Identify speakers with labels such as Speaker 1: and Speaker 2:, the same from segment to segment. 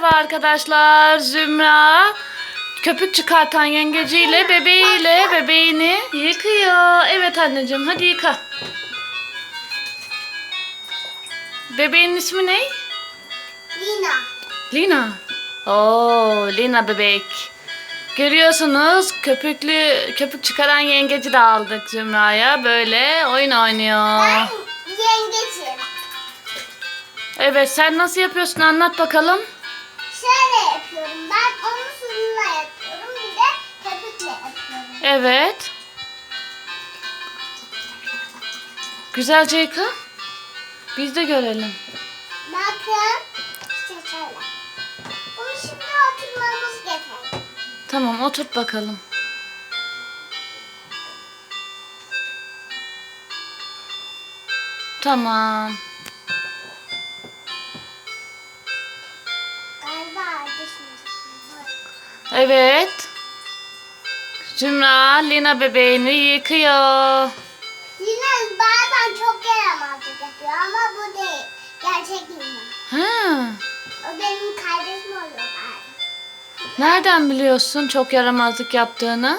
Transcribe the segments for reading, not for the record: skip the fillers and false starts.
Speaker 1: Merhaba arkadaşlar. Zümra köpük çıkartan yengeciyle bebeğini yıkıyor. Evet anneciğim, hadi yıka. Bebeğin ismi ne?
Speaker 2: Lina.
Speaker 1: Lina. Oo, Lina bebek. Görüyorsunuz, köpük çıkaran yengeci de aldık Zümra'ya. Böyle oyun oynuyor.
Speaker 2: Ben yengecim.
Speaker 1: Evet, sen nasıl yapıyorsun, anlat bakalım.
Speaker 2: Şöyle yapıyorum. Ben onu suyla yapıyorum. Bir de köpükle yapıyorum.
Speaker 1: Evet. Güzelce yıka. Biz de görelim.
Speaker 2: Bakın. İşte şöyle. Bunu şimdi oturmamız gerek.
Speaker 1: Tamam, oturt bakalım. Tamam.
Speaker 2: Galiba düşmeyecek.
Speaker 1: Evet. Zümra Lina bebeğini yıkıyor.
Speaker 2: Lina bazen çok yaramazlık yapıyor ama bu değil. Gerçek Lina.
Speaker 1: Ha.
Speaker 2: O benim kardeşim oluyor bazen.
Speaker 1: Nereden biliyorsun çok yaramazlık yaptığını?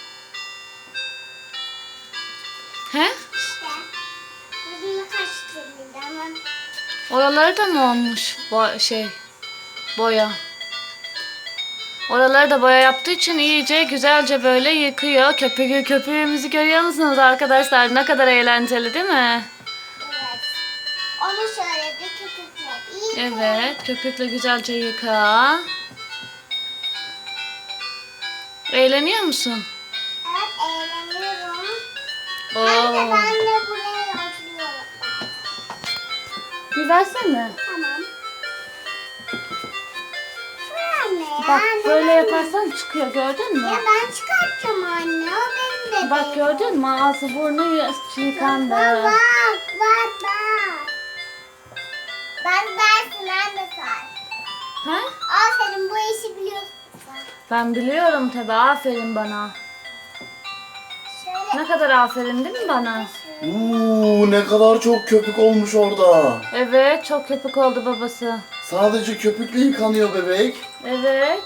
Speaker 1: He?
Speaker 2: İşte. Gözümü kaçtırdı ama.
Speaker 1: Oraları da mı olmuş? Boya. Oraları da boya yaptığı için iyice güzelce böyle yıkıyor. Köpüğümüzü görüyor musunuz arkadaşlar? Ne kadar eğlenceli değil mi?
Speaker 2: Evet. Onu şöyle bir köpükle iyi.
Speaker 1: Evet, köpükle güzelce yıka. Eğleniyor musun?
Speaker 2: Evet, eğleniyorum.
Speaker 1: Oo.
Speaker 2: Hem de ben de buraya oturuyorum.
Speaker 1: Bir versene.
Speaker 2: Tamam. Dur anne ya.
Speaker 1: Bak
Speaker 2: anne,
Speaker 1: böyle
Speaker 2: ben-
Speaker 1: yaparsan çıkıyor, gördün mü?
Speaker 2: Ya ben çıkartacağım anne. O benim bebeğim.
Speaker 1: Bak gördün mü? Ağzı burnu yıkandı.
Speaker 2: Bak bak. Ben dersin anne sen.
Speaker 1: Ha?
Speaker 2: Aferin bu işi biliyorsun.
Speaker 1: Ben biliyorum tabii, aferin bana.
Speaker 2: Şöyle.
Speaker 1: Ne kadar aferin değil mi bana?
Speaker 3: Ne kadar çok köpük olmuş orada.
Speaker 1: Evet, çok köpük oldu babası.
Speaker 3: Sadece köpükle yıkanıyor bebek.
Speaker 1: Evet.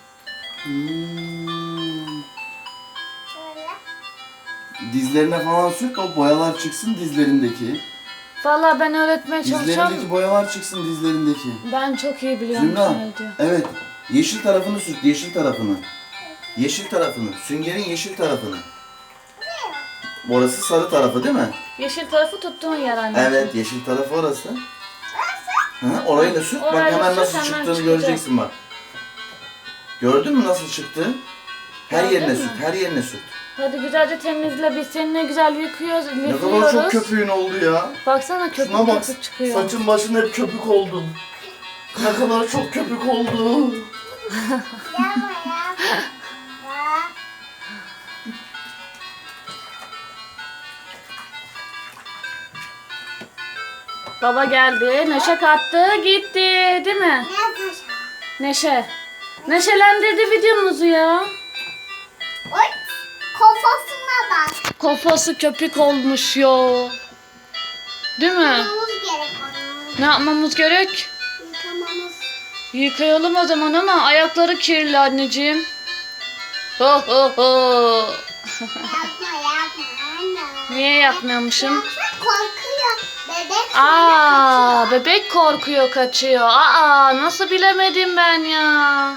Speaker 2: Şöyle.
Speaker 3: Dizlerine falan sür, o boyalar çıksın dizlerindeki.
Speaker 1: Vallahi ben öğretmeye çalışıyorum.
Speaker 3: Dizlerindeki boyalar çıksın dizlerindeki.
Speaker 1: Ben çok iyi biliyorum
Speaker 3: Zümra,
Speaker 1: ne diyor.
Speaker 3: evet. Yeşil tarafını sürt, yeşil tarafını. Yeşil tarafını, süngerin yeşil tarafını. Orası sarı tarafı değil mi?
Speaker 1: Yeşil tarafı tuttuğun yer anneciğim.
Speaker 3: Evet, yeşil tarafı orası. Orayı da sürt, bak
Speaker 1: Orayı
Speaker 3: hemen
Speaker 1: sürt,
Speaker 3: nasıl
Speaker 1: hemen
Speaker 3: çıktığını
Speaker 1: çıkacak.
Speaker 3: göreceksin bak. Gördün mü nasıl çıktı? Her
Speaker 1: Gördün
Speaker 3: yerine
Speaker 1: mü?
Speaker 3: sürt, her yerine sürt.
Speaker 1: Hadi güzelce temizle, biz seninle güzel yıkıyoruz.
Speaker 3: Ne kadar çok köpüğün oldu ya.
Speaker 1: Baksana köpük
Speaker 3: Şuna bak,
Speaker 1: köpük çıkıyor.
Speaker 3: saçın başın hep köpük oldu. Ne kadar çok köpük oldu.
Speaker 2: Yapma yapma. Bak.
Speaker 1: Baba geldi, neşe kattı, gitti değil mi?
Speaker 2: Ne yapacağım?
Speaker 1: Neşe. Neşelendirdi videomuzu ya.
Speaker 2: Oy. Kafasına bak.
Speaker 1: Kafası köpük olmuş ya. Değil mi?
Speaker 2: Yıkamamız gerek onu.
Speaker 1: Ne yapmamız gerek?
Speaker 2: Yıkamamız.
Speaker 1: Yıkayalım o zaman ama ayakları kirli anneciğim. Ho ho ho.
Speaker 2: Yapma anne.
Speaker 1: Niye yapmıyormuşum?
Speaker 2: Yoksa korkuyor. Bebek
Speaker 1: Aa, bebek korkuyor, kaçıyor. Aa, nasıl bilemedim ben ya.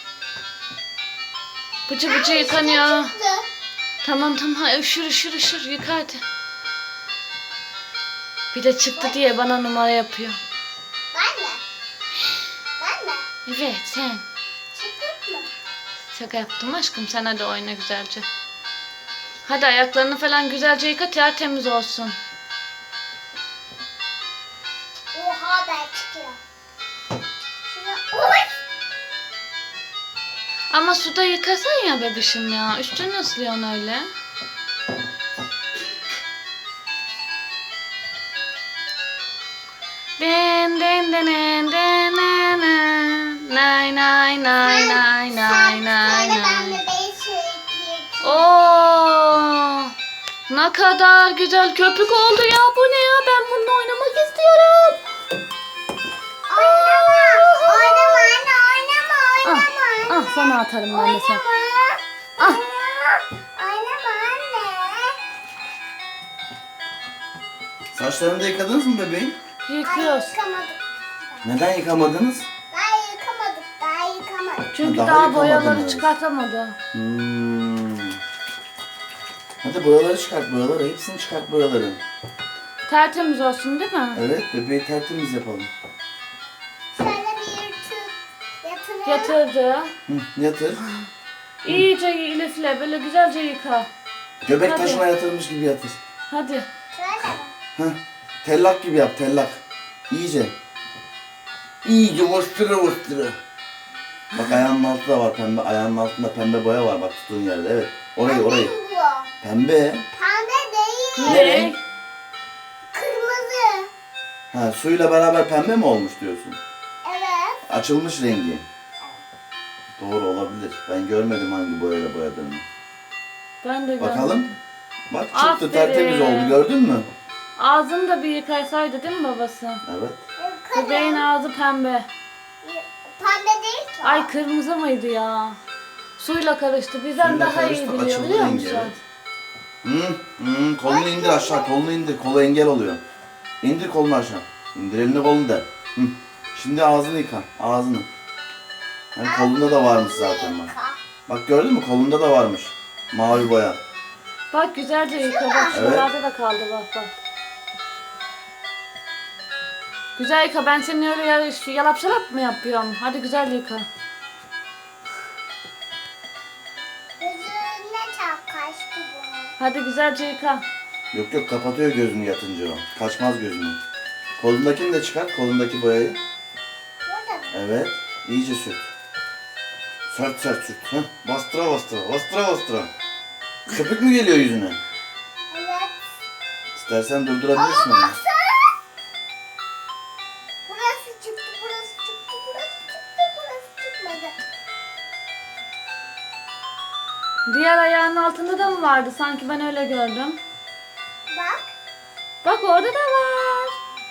Speaker 1: Bıcı bıcı yıkanıyor.
Speaker 2: çıktı.
Speaker 1: Tamam ha, üşür yıka hadi. Bir de çıktı diye bana numara yapıyor.
Speaker 2: Ben de. Ben de.
Speaker 1: Evet sen.
Speaker 2: Çıktık mı?
Speaker 1: Şaka yaptım aşkım, sen hadi oyna güzelce. Hadi ayaklarını falan güzelce yıka, tertemiz olsun.
Speaker 2: Oha ben çıkıyor. Şuna oy.
Speaker 1: Ama suda yıkasan ya bebişim ya. Üstünü ıslıyorsun öyle. Den den den den den den den. Nay nay nay nay nay nay
Speaker 2: Sonra ben
Speaker 1: nay.
Speaker 2: bebeği sürükleyeyim.
Speaker 1: Oo! Ne kadar güzel köpük oldu ya. Bu ne ya? Ben bununla oynamak istiyorum.
Speaker 2: Oynama. Oynama anne
Speaker 1: sonra atarım ben de sen. Ah.
Speaker 2: Oynama anne.
Speaker 3: Saçlarını da yıkadınız mı bebeğim?
Speaker 1: Yıkıyoruz.
Speaker 2: Yıkamadık.
Speaker 3: Neden yıkamadınız?
Speaker 2: Daha yıkamadık. Daha yıkamadık.
Speaker 1: Çünkü
Speaker 3: Daha
Speaker 1: daha
Speaker 3: yıkamadın,
Speaker 1: boyaları
Speaker 3: evet.
Speaker 1: çıkartamadı.
Speaker 3: Hadi boyaları çıkart boyaları. Hepsini çıkart boyaları.
Speaker 1: Tertemiz olsun değil mi?
Speaker 3: Evet bebeği tertemiz yapalım.
Speaker 2: Şöyle bir yatırın.
Speaker 1: Yatırdı.
Speaker 3: Hı, yatır.
Speaker 1: İyice Elif'le böyle güzelce yıka.
Speaker 3: Göbek
Speaker 1: Hadi.
Speaker 3: taşına yatırmış gibi yatır.
Speaker 1: Hadi.
Speaker 2: Şöyle bak.
Speaker 3: Heh. Tellak gibi yap tellak. İyice. İyice vıştırı vıştırı. Bak ayağının altında da var pembe. Ayağının altında pembe boya var bak tuttuğun yerde. Evet. Orayı.
Speaker 2: Bu.
Speaker 3: Pembe.
Speaker 2: Pembe değil.
Speaker 3: Ne?
Speaker 2: Kırmızı.
Speaker 3: Ha suyla beraber pembe mi olmuş diyorsun?
Speaker 2: Evet.
Speaker 3: Açılmış rengi. Doğru olabilir. Ben görmedim hangi boyayla boyadığını.
Speaker 1: Ben de
Speaker 3: Bakalım.
Speaker 1: görmedim.
Speaker 3: Bak çıktı
Speaker 1: Aferin.
Speaker 3: tertemiz oldu gördün mü?
Speaker 1: Ağzını da bir yıkasaydı değil mi babası?
Speaker 3: Evet.
Speaker 1: Bebeğin ağzı pembe.
Speaker 2: Pembe değil ki.
Speaker 1: Ay kırmızı mıydı ya? Suyla karıştı. Bizden
Speaker 3: Suyla
Speaker 1: daha iyi
Speaker 3: karıştı,
Speaker 1: biliyor
Speaker 3: açıldı
Speaker 1: biliyor
Speaker 3: rengi,
Speaker 1: musun?
Speaker 3: evet. Kolunu indir aşağı kolunu indir. Kolu engel oluyor. İndir kolunu aşağı. İndir elini kolunu da. Hı. Şimdi ağzını yıka. Ağzını. Hem kolunda da varmış zaten bak. Bak gördün mü kolunda da varmış. Mavi boya.
Speaker 1: Bak güzelce yıka. Bak
Speaker 3: Evet.
Speaker 1: şuralarda da kaldı bak bak. Güzel yıka. Ben seni öyle yalap şalap mı yapıyorum? Hadi güzel yıka.
Speaker 2: Gözüne çok kaçtı bu.
Speaker 1: Hadi güzelce yıka.
Speaker 3: Yok yok kapatıyor gözünü yatınca o. Kaçmaz gözünü. Kolundakini de çıkart. Kolundaki boyayı.
Speaker 2: Burada mı?
Speaker 3: Evet. İyice sürt. Sert sert sürt. Heh. Bastıra bastıra. Bastıra bastıra. Köpük mü geliyor yüzüne?
Speaker 2: Evet.
Speaker 3: İstersen durdurabilirsin
Speaker 2: Ama
Speaker 3: onu.
Speaker 2: baksana. Burası çıktı, burası çıktı, burası çıktı, burası çıkmadı.
Speaker 1: Diğer ayağının altında da mı vardı? Sanki ben öyle gördüm.
Speaker 2: Bak.
Speaker 1: Bak orada da var.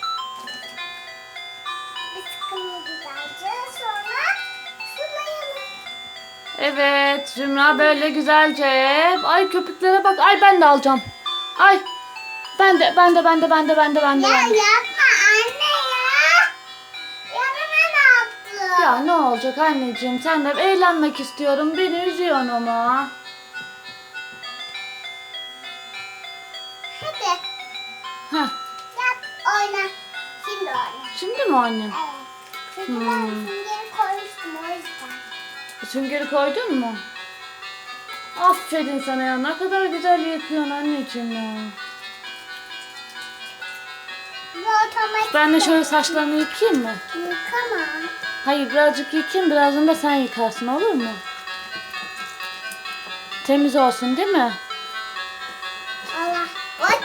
Speaker 2: Bir sıkımı güzelce sonra sulayalım.
Speaker 1: Evet Zümra böyle güzelce. Ay köpüklere bak. Ay ben de alacağım. Ay. Ben de.
Speaker 2: Ya yapma anne ya. Yarına ne yaptın?
Speaker 1: Ya ne olacak anneciğim? Sen de eğlenmek istiyorum. Beni üzüyorsun ama.
Speaker 2: Hadi
Speaker 1: Heh.
Speaker 2: yap oyna. Şimdi oyna.
Speaker 1: Şimdi mi annem?
Speaker 2: Evet. Çünkü ben süngeri koymuştum o yüzden.
Speaker 1: Süngeri koydun mu? Aferin sana ya. Ne kadar güzel yapıyorsun anneciğim ya.
Speaker 2: Bu otomatik.
Speaker 1: Ben de şöyle saçlarını yıkayayım mı?
Speaker 2: Yıkama.
Speaker 1: Hayır birazcık yıkayayım. Birazdan da sen yıkarsın olur mu? Temiz olsun değil mi?
Speaker 2: Allah. Oy.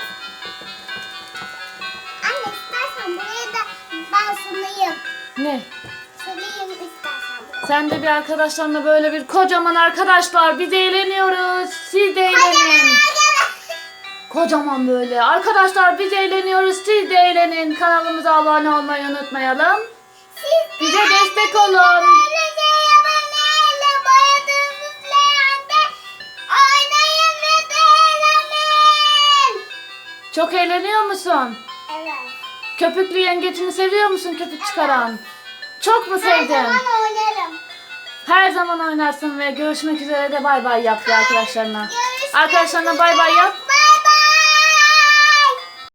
Speaker 2: Anne istersen buraya da ben sulayayım.
Speaker 1: Ne?
Speaker 2: Sulayayım istersen buraya.
Speaker 1: Sen de bir arkadaşlarla böyle bir kocaman arkadaşlar biz eğleniyoruz. Siz de eğlenin. Kocaman böyle. Arkadaşlar biz eğleniyoruz. Siz de eğlenin. Kanalımıza abone olmayı unutmayalım.
Speaker 2: Siz
Speaker 1: Bize destek olun.
Speaker 2: böylece yabaneyle boyadığınız leğende oynayın ve de eğlenin.
Speaker 1: Çok eğleniyor musun?
Speaker 2: Evet.
Speaker 1: Köpüklü yengecini seviyor musun köpük çıkaran? Çok mu
Speaker 2: Her
Speaker 1: sevdin?
Speaker 2: zaman oynarım.
Speaker 1: Her zaman oynarsın ve görüşmek üzere de bay bay yap ya arkadaşlarına.
Speaker 2: Görüşmek
Speaker 1: Arkadaşlarına bay bay yap.
Speaker 2: Bay